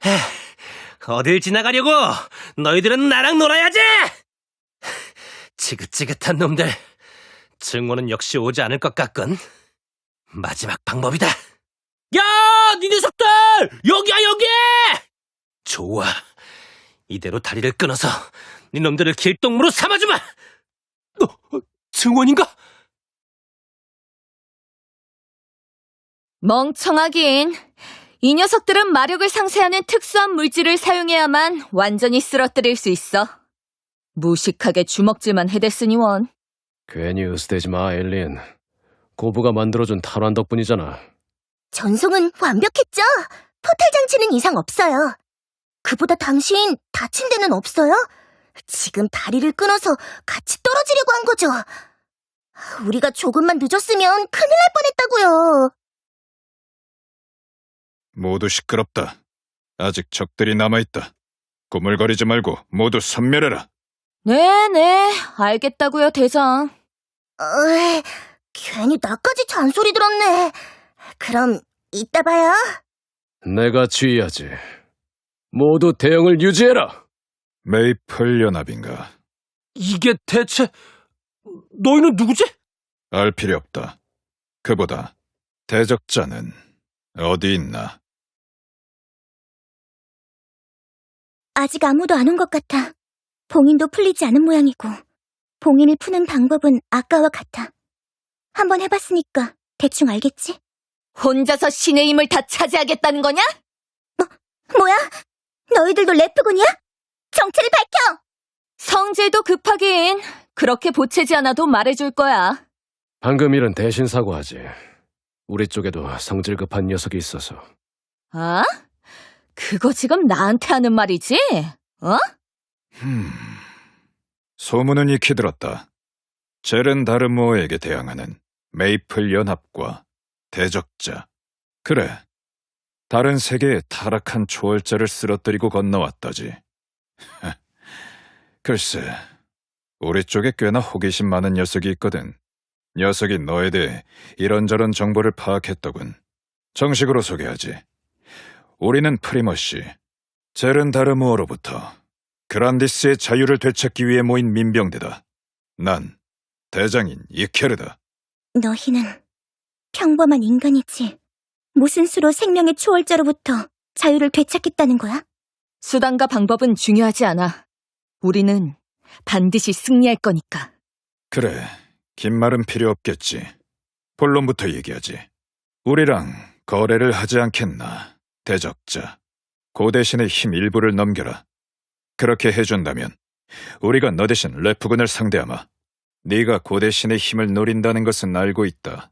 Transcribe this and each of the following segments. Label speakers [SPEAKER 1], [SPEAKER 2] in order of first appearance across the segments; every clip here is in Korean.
[SPEAKER 1] 어딜 지나가려고? 너희들은 나랑 놀아야지! 지긋지긋한 놈들. 증오는 역시 오지 않을 것 같군. 마지막 방법이다. 야! 니 녀석들! 여기야, 여기! 좋아. 이대로 다리를 끊어서 니 놈들을 길동무로 삼아주마! 증원인가?
[SPEAKER 2] 멍청하긴. 이 녀석들은 마력을 상쇄하는 특수한 물질을 사용해야만 완전히 쓰러뜨릴 수 있어. 무식하게 주먹질만 해댔으니 원.
[SPEAKER 3] 괜히 으스대지 마, 엘린. 고부가 만들어준 탈환 덕분이잖아.
[SPEAKER 4] 전송은 완벽했죠? 포탈 장치는 이상 없어요. 그보다 당신 다친 데는 없어요? 지금 다리를 끊어서 같이 떨어지려고 한 거죠? 우리가 조금만 늦었으면 큰일 날 뻔했다고요.
[SPEAKER 5] 모두 시끄럽다. 아직 적들이 남아있다. 꾸물거리지 말고 모두 섬멸해라.
[SPEAKER 2] 네네, 알겠다고요, 대장.
[SPEAKER 4] 괜히 나까지 잔소리 들었네. 그럼 이따 봐요.
[SPEAKER 3] 내가 지휘하지. 모두 대응을 유지해라.
[SPEAKER 5] 메이플 연합인가?
[SPEAKER 1] 이게 대체... 너희는 누구지?
[SPEAKER 5] 알 필요 없다. 그보다 대적자는 어디 있나?
[SPEAKER 4] 아직 아무도 안 온 것 같아. 봉인도 풀리지 않은 모양이고 봉인을 푸는 방법은 아까와 같아. 한번 해봤으니까 대충 알겠지?
[SPEAKER 2] 혼자서 신의 힘을 다 차지하겠다는 거냐?
[SPEAKER 4] 뭐야? 너희들도 래프군이야? 정체를 밝혀!
[SPEAKER 2] 성질도 급하긴. 그렇게 보채지 않아도 말해줄 거야.
[SPEAKER 3] 방금 일은 대신 사과하지. 우리 쪽에도 성질 급한 녀석이 있어서.
[SPEAKER 2] 아? 그거 지금 나한테 하는 말이지? 어?
[SPEAKER 5] 소문은 익히 들었다. 제렌 다르모어에게 대항하는 메이플 연합과 대적자. 그래, 다른 세계의 타락한 초월자를 쓰러뜨리고 건너왔다지. 글쎄, 우리 쪽에 꽤나 호기심 많은 녀석이 있거든. 녀석이 너에 대해 이런저런 정보를 파악했더군. 정식으로 소개하지. 우리는 프리머시, 제렌 다르모어로부터 그란디스의 자유를 되찾기 위해 모인 민병대다. 난 대장인 이케르다.
[SPEAKER 4] 너희는 평범한 인간이지. 무슨 수로 생명의 초월자로부터 자유를 되찾겠다는 거야?
[SPEAKER 2] 수단과 방법은 중요하지 않아. 우리는 반드시 승리할 거니까.
[SPEAKER 5] 그래, 긴 말은 필요 없겠지. 본론부터 얘기하지. 우리랑 거래를 하지 않겠나, 대적자. 고대신의 힘 일부를 넘겨라. 그렇게 해준다면 우리가 너 대신 래프군을 상대하마. 네가 고대신의 힘을 노린다는 것은 알고 있다.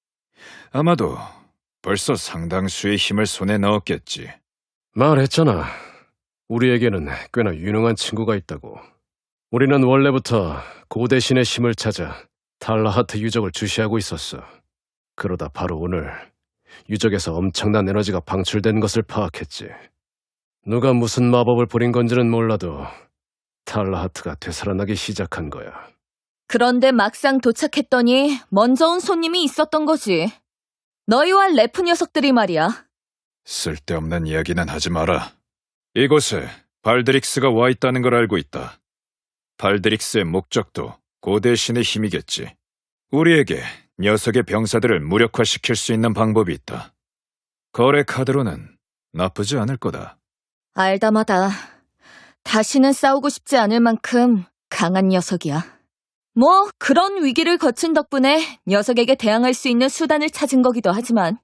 [SPEAKER 5] 아마도 벌써 상당수의 힘을 손에 넣었겠지.
[SPEAKER 3] 말했잖아. 우리에게는 꽤나 유능한 친구가 있다고. 우리는 원래부터 고대신의 힘을 찾아 탈라하트 유적을 주시하고 있었어. 그러다 바로 오늘 유적에서 엄청난 에너지가 방출된 것을 파악했지. 누가 무슨 마법을 부린 건지는 몰라도 탈라하트가 되살아나기 시작한 거야.
[SPEAKER 2] 그런데 막상 도착했더니 먼저 온 손님이 있었던 거지. 너희와 래프 녀석들이 말이야.
[SPEAKER 5] 쓸데없는 이야기는 하지 마라. 이곳에 발드릭스가 와 있다는 걸 알고 있다. 발드릭스의 목적도 고대신의 힘이겠지. 우리에게 녀석의 병사들을 무력화시킬 수 있는 방법이 있다. 거래 카드로는 나쁘지 않을 거다.
[SPEAKER 2] 알다마다 다시는 싸우고 싶지 않을 만큼 강한 녀석이야. 뭐 그런 위기를 거친 덕분에 녀석에게 대항할 수 있는 수단을 찾은 거기도 하지만.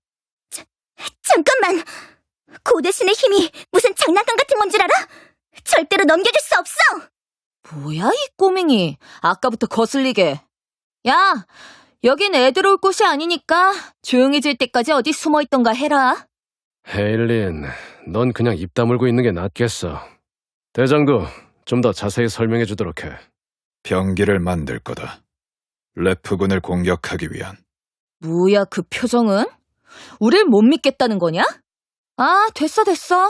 [SPEAKER 4] 잠깐만! 고대신의 힘이 무슨 장난감 같은 건 줄 알아? 절대로 넘겨줄 수 없어!
[SPEAKER 2] 뭐야 이 꼬맹이. 아까부터 거슬리게. 야, 여긴 애들 올 곳이 아니니까 조용해질 때까지 어디 숨어있던가 해라.
[SPEAKER 3] 헤일린, 넌 그냥 입 다물고 있는 게 낫겠어. 대장도 좀 더 자세히 설명해 주도록 해.
[SPEAKER 5] 병기를 만들 거다. 래프군을 공격하기 위한.
[SPEAKER 2] 뭐야 그 표정은? 우릴 못 믿겠다는 거냐? 아, 됐어.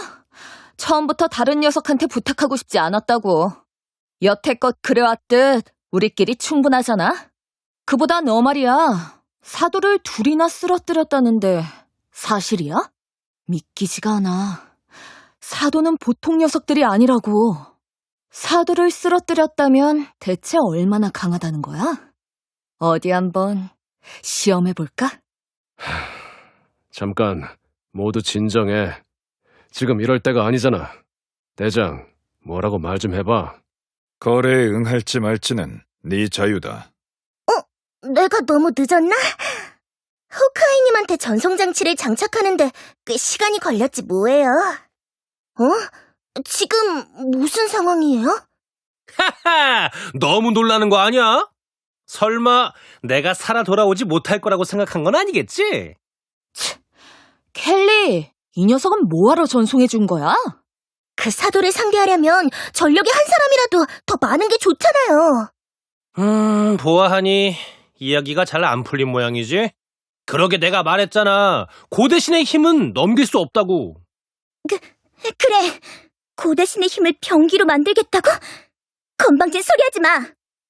[SPEAKER 2] 처음부터 다른 녀석한테 부탁하고 싶지 않았다고. 여태껏 그래왔듯 우리끼리 충분하잖아? 그보다 너 말이야. 사도를 둘이나 쓰러뜨렸다는데 사실이야? 믿기지가 않아. 사도는 보통 녀석들이 아니라고. 사도를 쓰러뜨렸다면 대체 얼마나 강하다는 거야? 어디 한번 시험해볼까?
[SPEAKER 3] 잠깐, 모두 진정해. 지금 이럴 때가 아니잖아. 대장, 뭐라고 말 좀 해봐.
[SPEAKER 5] 거래에 응할지 말지는 네 자유다.
[SPEAKER 4] 내가 너무 늦었나? 호크아이님한테 전송장치를 장착하는데 꽤 시간이 걸렸지 뭐예요. 지금 무슨 상황이에요?
[SPEAKER 1] 하하! 너무 놀라는 거 아니야? 설마 내가 살아 돌아오지 못할 거라고 생각한 건 아니겠지?
[SPEAKER 2] 켈리, 이 녀석은 뭐하러 전송해준 거야?
[SPEAKER 4] 그 사도를 상대하려면 전력이 한 사람이라도 더 많은 게 좋잖아요.
[SPEAKER 1] 보아하니 이야기가 잘 안 풀린 모양이지? 그러게 내가 말했잖아. 고대신의 힘은 넘길 수 없다고.
[SPEAKER 4] 그래, 고대신의 힘을 병기로 만들겠다고? 건방진 소리 하지 마.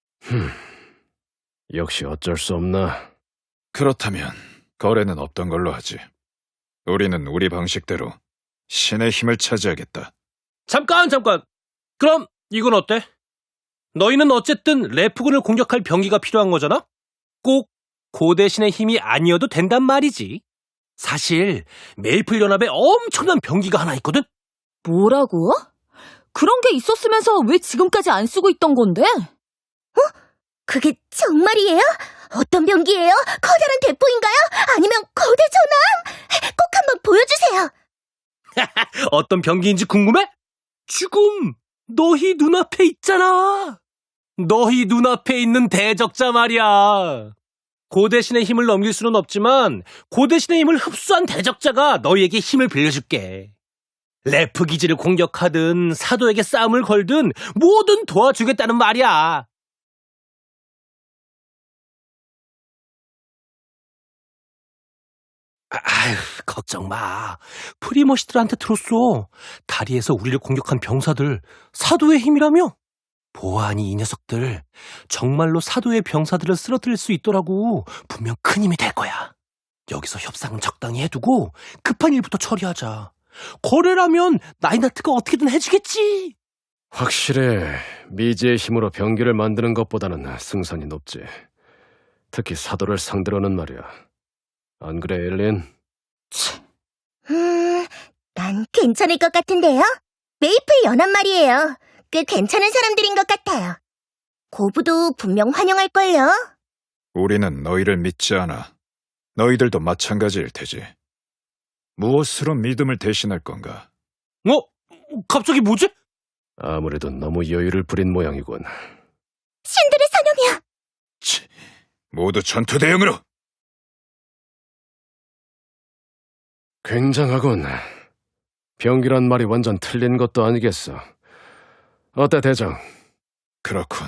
[SPEAKER 3] 역시 어쩔 수 없나.
[SPEAKER 5] 그렇다면 거래는 없던 걸로 하지. 우리는 우리 방식대로 신의 힘을 차지하겠다.
[SPEAKER 1] 잠깐! 그럼 이건 어때? 너희는 어쨌든 레프군을 공격할 병기가 필요한 거잖아? 꼭 고대신의 힘이 아니어도 된단 말이지. 사실 메이플 연합에 엄청난 병기가 하나 있거든?
[SPEAKER 2] 뭐라고? 그런 게 있었으면서 왜 지금까지 안 쓰고 있던 건데?
[SPEAKER 4] 그게 정말이에요? 어떤 병기예요? 커다란 대포인가요? 아니면 거대 전함? 꼭 한번 보여주세요.
[SPEAKER 1] 어떤 병기인지 궁금해? 지금 너희 눈앞에 있잖아. 너희 눈앞에 있는 대적자 말이야. 고대신의 힘을 넘길 수는 없지만 고대신의 힘을 흡수한 대적자가 너희에게 힘을 빌려줄게. 레프 기지를 공격하든 사도에게 싸움을 걸든 뭐든 도와주겠다는 말이야. 아휴, 걱정 마. 프리머시들한테 들었어. 다리에서 우리를 공격한 병사들 사도의 힘이라며? 보아하니 이 녀석들 정말로 사도의 병사들을 쓰러뜨릴 수 있더라고. 분명 큰 힘이 될 거야. 여기서 협상은 적당히 해두고 급한 일부터 처리하자. 거래라면 나이나트가 어떻게든 해주겠지.
[SPEAKER 3] 확실해. 미지의 힘으로 병기를 만드는 것보다는 승산이 높지. 특히 사도를 상대로는 말이야. 안 그래, 엘린?
[SPEAKER 4] 난 괜찮을 것 같은데요? 메이플 연합 말이에요. 꽤 괜찮은 사람들인 것 같아요. 고부도 분명 환영할걸요?
[SPEAKER 5] 우리는 너희를 믿지 않아. 너희들도 마찬가지일 테지. 무엇으로 믿음을 대신할 건가?
[SPEAKER 1] 갑자기 뭐지?
[SPEAKER 3] 아무래도 너무 여유를 부린 모양이군.
[SPEAKER 4] 신들의 사냥이야!
[SPEAKER 5] 치, 모두 전투 대응으로!
[SPEAKER 3] 굉장하군. 병기란 말이 완전 틀린 것도 아니겠어. 어때, 대장?
[SPEAKER 5] 그렇군.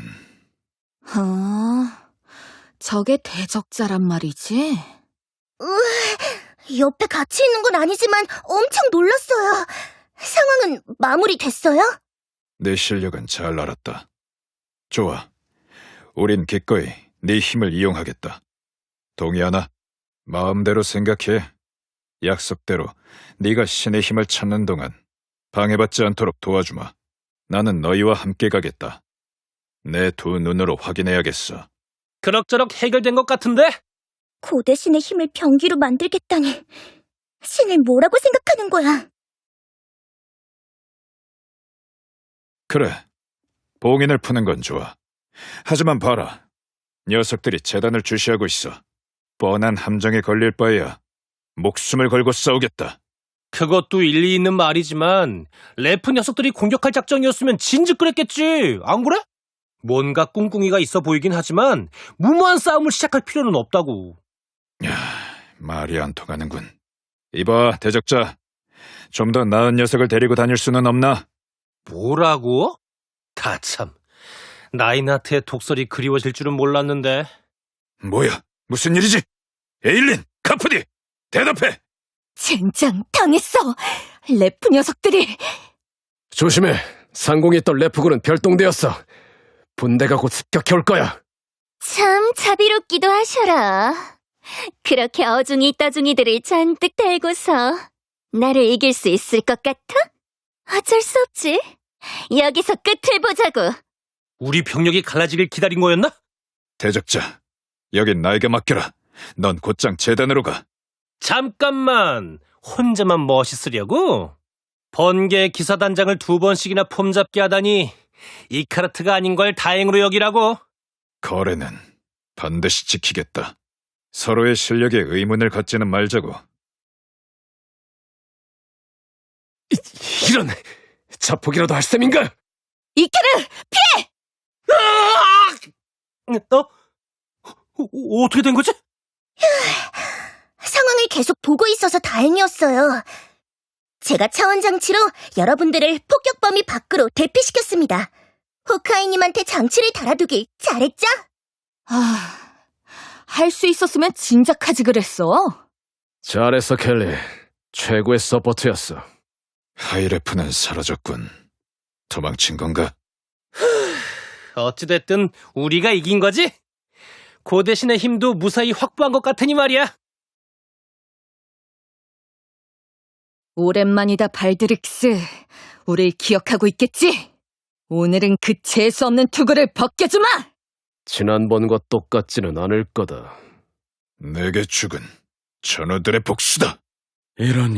[SPEAKER 2] 저게 대적자란 말이지?
[SPEAKER 4] 옆에 같이 있는 건 아니지만 엄청 놀랐어요. 상황은 마무리됐어요?
[SPEAKER 5] 내 실력은 잘 알았다. 좋아. 우린 기꺼이 네 힘을 이용하겠다. 동의하나? 마음대로 생각해. 약속대로 네가 신의 힘을 찾는 동안 방해받지 않도록 도와주마. 나는 너희와 함께 가겠다. 내 두 눈으로 확인해야겠어.
[SPEAKER 1] 그럭저럭 해결된 것 같은데?
[SPEAKER 4] 고대신의 힘을 병기로 만들겠다니. 신을 뭐라고 생각하는 거야?
[SPEAKER 5] 그래. 봉인을 푸는 건 좋아. 하지만 봐라. 녀석들이 재단을 주시하고 있어. 뻔한 함정에 걸릴 바에야 목숨을 걸고 싸우겠다.
[SPEAKER 1] 그것도 일리 있는 말이지만 레프 녀석들이 공격할 작정이었으면 진즉 그랬겠지. 안 그래? 뭔가 꿍꿍이가 있어 보이긴 하지만 무모한 싸움을 시작할 필요는 없다고.
[SPEAKER 5] 말이 안 통하는군. 이봐, 대적자. 좀 더 나은 녀석을 데리고 다닐 수는 없나?
[SPEAKER 1] 뭐라고? 다 참. 나이나트의 독설이 그리워질 줄은 몰랐는데.
[SPEAKER 5] 뭐야? 무슨 일이지? 에일린! 카프디! 대답해!
[SPEAKER 2] 젠장 당했어. 레프 녀석들이.
[SPEAKER 3] 조심해. 상공에 있던 레프군은 별동대였어. 분대가 곧 습격해 올 거야.
[SPEAKER 4] 참 자비롭기도 하셔라. 그렇게 어중이 떠중이들을 잔뜩 달고서 나를 이길 수 있을 것 같아? 어쩔 수 없지. 여기서 끝을 보자고.
[SPEAKER 1] 우리 병력이 갈라지길 기다린 거였나?
[SPEAKER 5] 대적자, 여긴 나에게 맡겨라. 넌 곧장 재단으로 가.
[SPEAKER 1] 잠깐만, 혼자만 멋있으려고? 번개 기사단장을 2번씩이나 폼잡게 하다니 이카르트가 아닌 걸 다행으로 여기라고.
[SPEAKER 5] 거래는 반드시 지키겠다. 서로의 실력에 의문을 갖지는 말자고.
[SPEAKER 3] 이런 자폭이라도 할 셈인가?
[SPEAKER 2] 이케르!
[SPEAKER 1] 어떻게 된 거지?
[SPEAKER 4] 상황을 계속 보고 있어서 다행이었어요. 제가 차원장치로 여러분들을 폭격 범위 밖으로 대피시켰습니다. 호크아이님한테 장치를 달아두길 잘했죠?
[SPEAKER 2] 할 수 있었으면 진작 하지 그랬어.
[SPEAKER 3] 잘했어, 켈리. 최고의 서포트였어.
[SPEAKER 5] 하이레프는 사라졌군. 도망친 건가?
[SPEAKER 1] 어찌됐든 우리가 이긴 거지? 고대신의 힘도 무사히 확보한 것 같으니 말이야.
[SPEAKER 2] 오랜만이다, 발드릭스. 우릴 기억하고 있겠지? 오늘은 그 재수 없는 투구를 벗겨주마!
[SPEAKER 3] 지난번과 똑같지는 않을 거다.
[SPEAKER 5] 내게 죽은 전우들의 복수다.
[SPEAKER 6] 이런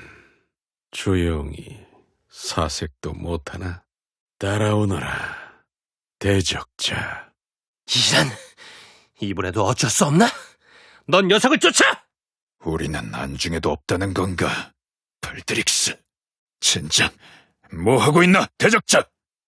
[SPEAKER 6] 조용히 사색도 못하나? 따라오너라, 대적자.
[SPEAKER 1] 이란, 이번에도 어쩔 수 없나? 넌 녀석을 쫓아!
[SPEAKER 5] 우리는 안중에도 없다는 건가? 발드릭스, 진작 뭐 하고 있나, 대적자?